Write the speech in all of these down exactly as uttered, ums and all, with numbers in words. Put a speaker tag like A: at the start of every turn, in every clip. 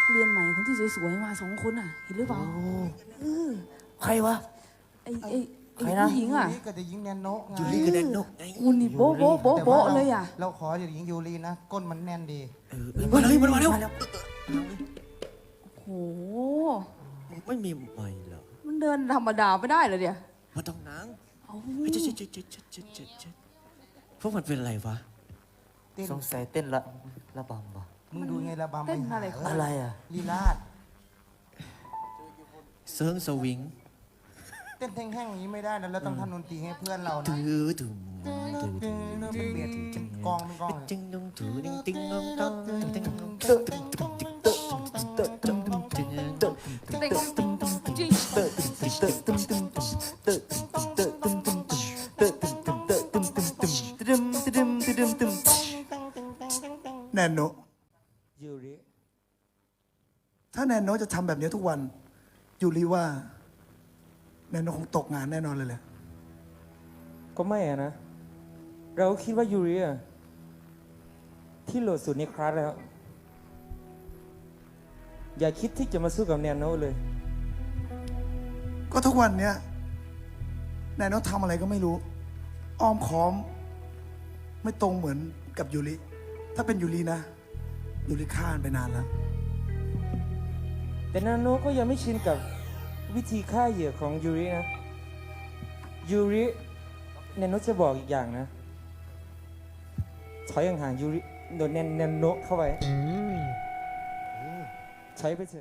A: เรียนใหม่คนที่สวยๆมาสองคนอ่ะเห็นหรือเปล่าเออ
B: ใครวะ
A: ไอ้ไอ้ไอ้
B: ใครนะ
A: ผู้หญิงอ่ะ
C: ยูริกับเด็กหญิงแนนโนะไง
B: ยูริกับแดนโนไง
A: หุ่นนี่โบ๊ะโบ๊ะโบ๊ะ
C: แต่ว่า
A: โบ๊ะ
C: รา
A: เลยอ่ะ
C: เราขอเด็กหญิงยูรินะ ก้นมันแน่นดี
B: เออมาเลยมันมาแล้ว
A: โห
B: ไม่มีไม่เหรอ
A: มันเดินธรรมดาไม่ได้เลยเดี๋ยว
B: มาต้องนัง
A: เอา
B: เฮ้ยเจ๊เจ๊เจ๊เจ๊เจ๊เจ๊เจ๊เจ๊พวกมันเป็นอะไรวะ
C: เต้น
D: สงสัยเต้นละระบำปะ
C: มึงดูไงระบำ
A: เต้น
C: หา
A: อะไร
C: เ
D: อะไรอ่ะ
C: ลีลาด
B: เซิร์งสวิง
C: เต้นแห้งๆอย่างนี้ไม่ได้นะเราต้องทำดนตรีให้เพื่อนเรานะ
B: ถือถุงถือถุง
C: มันเบียดเป็นกองเป็นกองเลย
B: จึงนุ่งถือติ้งติ้งงงตองติ้งงงตองติ้งงง
A: เต้นจริง
D: เตอะตึมตึมตึมเตอะเตอะตึมตึมเตอะตึมตึมเตอะตึมตึมตึมตึมตึมตึมตึมแนนโน
E: ยูริ
F: ถ้าแนนโนจะทำแบบนี้ทุกวันยูริว่า แนนโนคงตกงานแน่นอนเลยแหละ
E: ก็ไม่อะนะ เราคิดว่ายูริอะที่โหลดสุดในคลาสแล้ว อย่าคิดที่จะมาสู้กับแนนโนเลย
F: ก็ทุกวันเนี้ยแนนโนทำอะไรก็ไม่รู้ อ้อมค้อม ไม่ตรงเหมือนกับยูริถ้าเป็นยูรินะยูริฆ่ามันไปนานแล้ว
E: แต่แนนโนก็ยังไม่ชินกับวิธีฆ่าเหยื่อของยูรินะ ยูริแนนโนจะบอกอีกอย่างนะ ถอยห่างๆยูริโดนแนนแนนโนเข้าไปใช้ไปเถอะ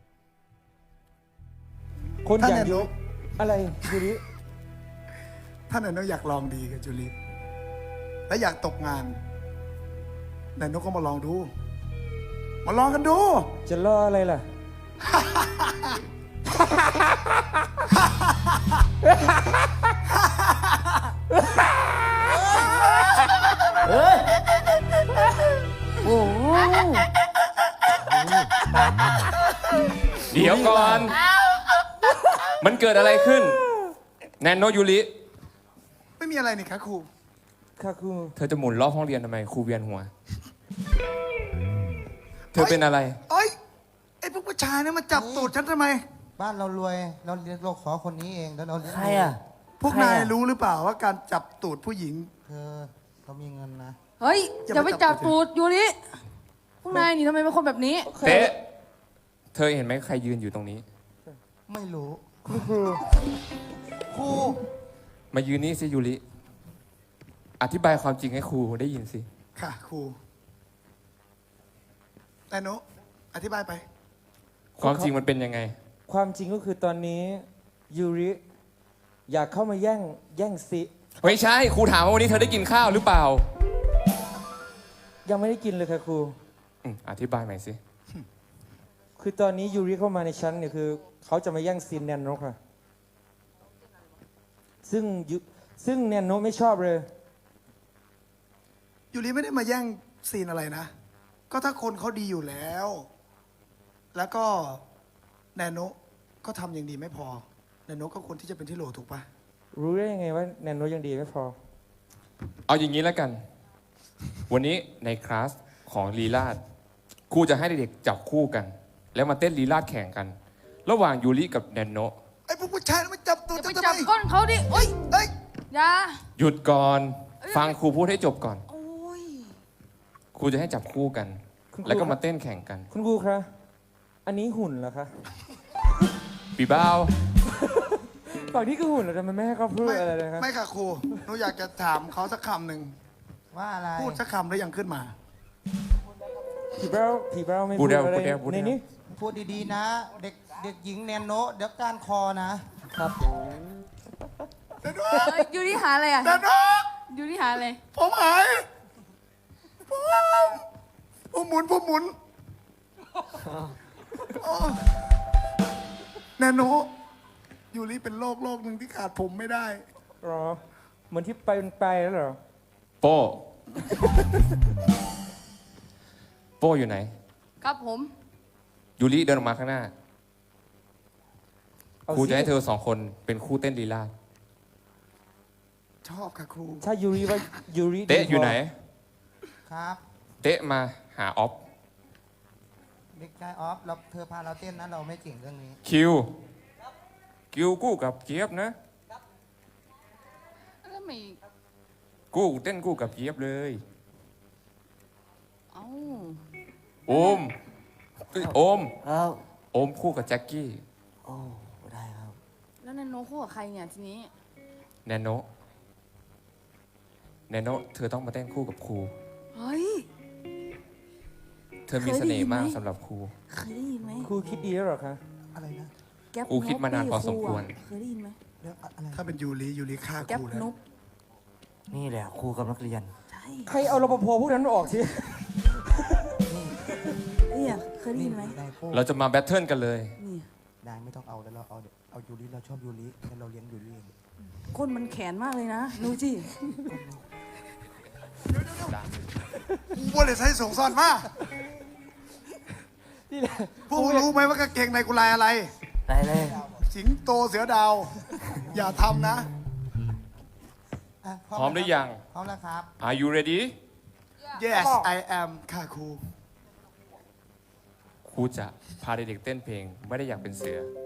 E: คนอย่าง
F: ถ้าแนนโน
E: ยูริอะไรยูริ
F: ถ้าแนนโนอยากลองดีกับยูริและอยากตกงานแนนโนก็มาลองดู มาลองกันดู
E: จะรออะไรล่ะ
A: โอ้โห
G: เดี๋ยวก่อน มันเกิดอะไรขึ้น แนนโนยูริ
F: ไม่มีอะไรนี่คะครู
E: ค่ะครู
G: เธอจะหมุนรอบห้องเรียนทำไมครูเวียนหัว เธอเป็นอะไร
F: เอ้ยไอ้พวกผู้ชายเนี่ยมาจับตูดฉันทำไม
C: บ้านเรารวยเราเรียนเราขอคนนี้เองแล้วเราเลี้ยง
D: ใครอ่ะ
F: พวกนายรู้หรือเปล่าว่าการจับตูดผู้หญิง
C: เธอเรามีเงินนะ
A: เฮ้ย
F: อย่า
A: อย่า
F: ไป
A: ไป
F: จั
A: จั
F: บบ
A: ตูดยูริพวกนายนี่ทำไมเป็นคนแบบนี้
G: เต๊ะ เธอเห็นไหมใครยืนอยู่ตรงนี้
C: ไม่รู้
E: คุณครู
C: ครู
G: มายืนนี่สิยูริ อธิบายความจริงให้ครูได้ยินสิ
F: ค่ะครูแต่โนอธิบายไป
G: ความจริงมันเป็นยังไง
E: ความจริงก็คือตอนนี้ยูริอยากเข้ามาแย่งแย่งซิ
G: ไม่ใช่ ครูถามว่าวันนี้เธอได้กินข้าวหรือเปล่า
E: ยังไม่ได้กินเลยค่ะครู
G: อืมอธิบายใหม่สิ
E: คือตอนนี้ยูริเข้ามาในชั้นเนี่ยคือเขาจะมาแย่งซีนแนนโนค่ะ ซึ่งยูซึ่งแนนโนไม่ชอบเลย
F: ยูริไม่ได้มาแย่งซีนอะไรนะ ก็ถ้าคนเขาดีอยู่แล้ว แล้วก็แนนโนก็ทำอย่างดีไม่พอ แนนโนก็ควรที่จะเป็นที่โหลถูกปะ
E: รู้ได้ยังไงว่าแนนโนยังดีไม่พอ
G: เอาอย่างนี้แล้วกัน วันนี้ในคลาสของลีลาดครูจะให้เด็กๆจับคู่กัน แล้วมาเต้นลีลาดแข่งกัน ระหว่างยูริกับแนนโน
F: ไอ้พวกผู้ชายมาจับตูด
A: อย่า
F: ฉั
A: ไป
F: นทำ
A: จับ
F: ไม
A: ก้นเขาดิโอ้ย
F: เอ้ย
A: อย่า
G: หยุดก่อน ฟังครูพูดให้จบก่อน
A: โอ้ย
G: ครูจะให้จับคู่กัน
E: คุณครู
G: แล้วก็มาเต้นแข่งกัน
E: คุณครูคะอันนี้หุ่นเหรอคะ
G: ปีบ้าว
E: ฝั่งนี้คือหุ่นเหรอทำไมไม่ให้เขาพูด
F: ไม่
E: อะไรเลยครับ
F: ไม่ค่ะครูหนูอยากจะถามเขาสักคำหนึ่ง
C: ว่าอะไร
F: พูดสักคำแล้วยังขึ้นมา
E: ผีเบ้าผีเบ้าไม่
G: พู
E: พู
G: ด
E: ด
G: เดียว
E: อะไร
G: พูดเดียวพูด
E: ใน
G: เดียว
E: นี้
C: พูดดีๆนะ เด็กเด็กหญิงแนนโนะเดี๋ยวการคอนะ
E: ครับ
A: เอ้ยยูริหาอะไรอ่ะ
F: แนนโน
A: ยูริหาอะไร
F: ผมหายผมผมหมุนผมหมุนโอ้แนนโนยูริเป็นโรคโรคหนึ่งที่ขาดผมไม่ได้
E: รอ เหมือนที่ไปเป็นไปแล้วเหรอ
G: โป้ โป้อยู่ไหน
A: ครับผม
G: ยูริเดินออกมาข้างหน้า
E: เอา
G: ครู
E: สิ
G: จะให้เธอสองคนเป็นคู่เต้นลีลาด
F: ชอบค่ะครู
E: ถ้ายูริว่ายูริ
G: เต๊ะอยู่ไหน
C: ครับ
G: เต๊ะมาหาออฟ
C: เด็กกช่ออฟเราเธอพาเราเต้นนะเราไม่เก่งเรื่องนี้
G: คิว คิวกู้กับเจี๊ยบนะ
A: แล้วไม่
G: กู้เต้นกู้กับเจี๊ยบเลย
A: เอ้า
G: โอมเอ้ยโอม
D: ครับ
G: โอมคู่กับแจ็คกี้
D: โอ้ได้ครับ
A: แล้วนันโนคู่กับใครเนี่ยทีนี้
G: แนโนแนโนเธอต้องมาเต้นคู่กับครู
A: เฮ้ย
G: เธอมีเสน่ห์มาก
A: เคยได้ยินไหม
G: สำหรับครู
A: เคยได้ยินไหม
E: ครูคิดดีแล้วเหรอคะ
C: อะไรนะ
A: แก๊ป
G: ครูคิดมานานพอสมควร
A: นุ๊กเคยได้ยินไหม
C: เรื่องอะไร
F: ถ้าเป็นยูริยูริฆ่า
A: แก๊ป
F: กูแล้ว
A: นุ๊ก
D: นี่แหละครูกับนักเรียน
A: ใช่
E: ใครเอารปภพวกนั้นออกที
A: เนี่ยเคยได้ยินไหม
C: ได้โป้
G: เราจะมาแบทเทิลกันเลย
A: นี่
C: ได้ไม่ต้องเอาแล้วเราเอาเอายูริเราชอบยูริแล้วเราเลี้ยงยูริเอง
A: ก้นมันแขนมากเลยนะดูจิ
F: กูว่าเลยใช้ส่งซ่อนมา
E: นี่แหละ
F: พวกมึงรู้ไหมว่ากางเกงในกูลายอะไร
D: ได้เลย
F: สิงโตเสือดาว อย่าทำนะ
C: อ่ะ
G: พร้อมหรือยัง
C: พร้อมแล้วครับ
G: Are you ready
F: Yes I am ค่ะครู
G: ครูจะพาเด็กๆเต้นเพลง ไม่ได้อยากเป็นเสือ